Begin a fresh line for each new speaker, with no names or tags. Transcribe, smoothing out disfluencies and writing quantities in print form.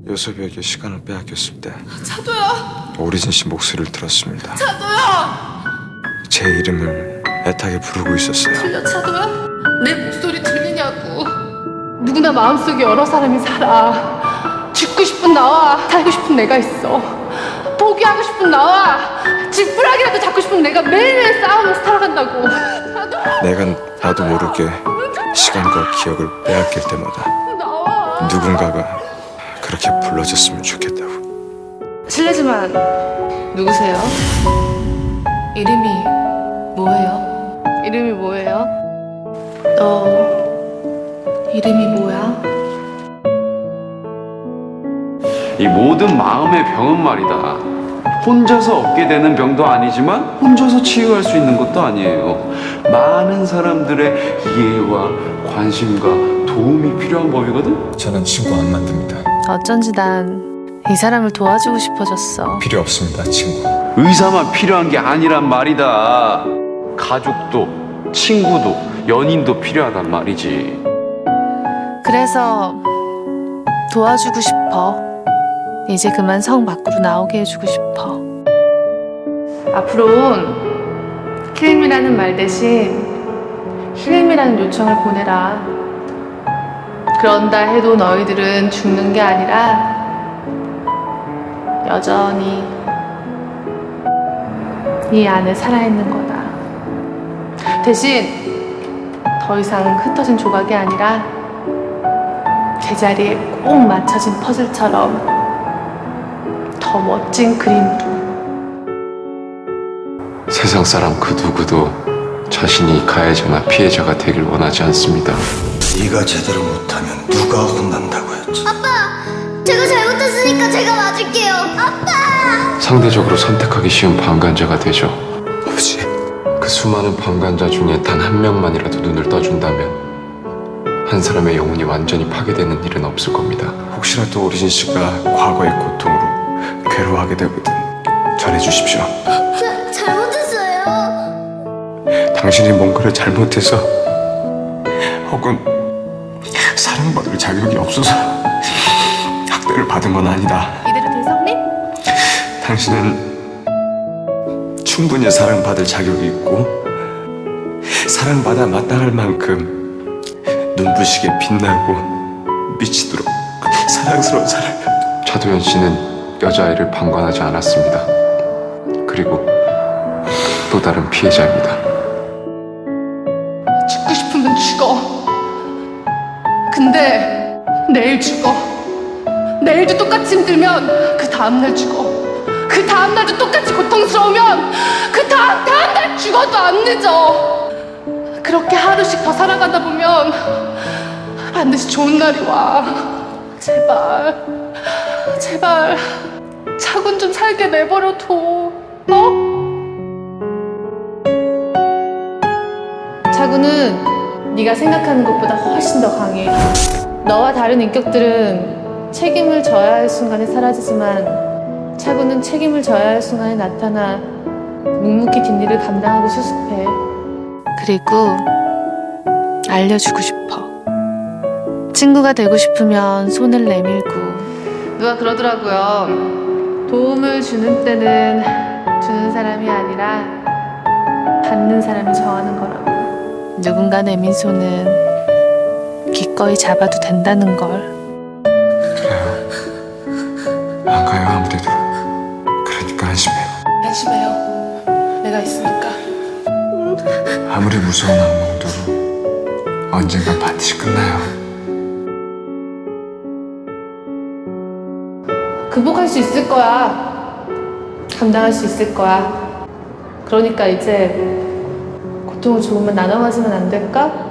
요섭이에게 시간을 빼앗겼을 때
차도야!
오리진 씨 목소리를 들었습니다.
차도야!
제 이름을 애타게 부르고 있었어요.
들려, 차도야? 내 목소리 들리냐고. 누구나 마음속에 여러 사람이 살아. 죽고 싶은 나와 살고 싶은 내가 있어. 포기하고 싶은 나와 지푸라기라도 잡고 싶은 내가 매일매일 싸우면서 살아간다고. 차도야!
내가 나도 모르게 시간과 기억을 빼앗길 때마다
나와.
누군가가 그렇게 불러줬으면 좋겠다고.
실례지만 누구세요? 이름이 뭐예요? 이름이 뭐예요? 너 이름이 뭐야?
이 모든 마음의 병은 말이다. 혼자서 얻게 되는 병도 아니지만 혼자서 치유할 수 있는 것도 아니에요. 많은 사람들의 이해와 관심과 도움이 필요한 법이거든.
저는 친구 안 만듭니다.
어쩐지 난 이 사람을 도와주고 싶어졌어.
필요 없습니다, 친구.
의사만 필요한 게 아니란 말이다. 가족도 친구도 연인도 필요하단 말이지.
그래서 도와주고 싶어. 이제 그만 성 밖으로 나오게 해주고 싶어.
앞으로는 킬림이라는 말 대신 힐림이라는 요청을 보내라. 그런다 해도 너희들은 죽는 게 아니라 여전히 이 안에 살아있는 거다. 대신 더 이상 흩어진 조각이 아니라 제자리에 꼭 맞춰진 퍼즐처럼 더 멋진 그림으로.
세상 사람 그 누구도 자신이 가해자나 피해자가 되길 원하지 않습니다.
네가 제대로 못하면 누가 혼난다고 했지?
제가 잘못했으니까 제가 맞을게요. 아빠!
상대적으로 선택하기 쉬운 방관자가 되죠.
아버지,
그 수많은 방관자 중에 단 한 명만이라도 눈을 떠준다면 한 사람의 영혼이 완전히 파괴되는 일은 없을 겁니다.
혹시라도 오리진 씨가 과거의 고통으로 괴로워하게 되거든 전해주십시오.
잘못했어요.
당신이 뭔가를 잘못해서 혹은 사랑받을 자격이 없어서 학대를 받은 건 아니다.
이대로 대성님?
당신은 충분히 사랑받을 자격이 있고 사랑받아 마땅할 만큼 눈부시게 빛나고 미치도록 사랑스러운 사람.
차도현 씨는 여자아이를 방관하지 않았습니다. 그리고 또 다른 피해자입니다.
죽고 싶으면 죽어. 근데 내일 죽어. 내일도 똑같이 힘들면 그 다음날 죽어. 그 다음날도 똑같이 고통스러우면 그 다음날 죽어도 안 늦어. 그렇게 하루씩 더 살아가다 보면 반드시 좋은 날이 와. 제발 제발 차군 좀 살게 내버려둬. 차군은 네가 생각하는 것보다 훨씬 더 강해. 너와 다른 인격들은 책임을 져야 할 순간에 사라지지만 차군은 책임을 져야 할 순간에 나타나 묵묵히 뒷일을 감당하고 수습해.
그리고 알려주고 싶어. 친구가 되고 싶으면 손을 내밀고.
누가 그러더라고요. 도움을 주는 때는 주는 사람이 아니라 받는 사람이 정하는 거라고.
누군가 내민 손은 기꺼이 잡아도 된다는 걸.
그래요. 안 가요 아무데도. 그러니까 안심해요.
안심해요. 내가 있으니까.
아무리 무서운 악몽도 언젠간 반드시 끝나요.
극복할 수 있을 거야. 감당할 수 있을 거야. 그러니까 이제 고통을 조금만 나눠 가지면 안 될까?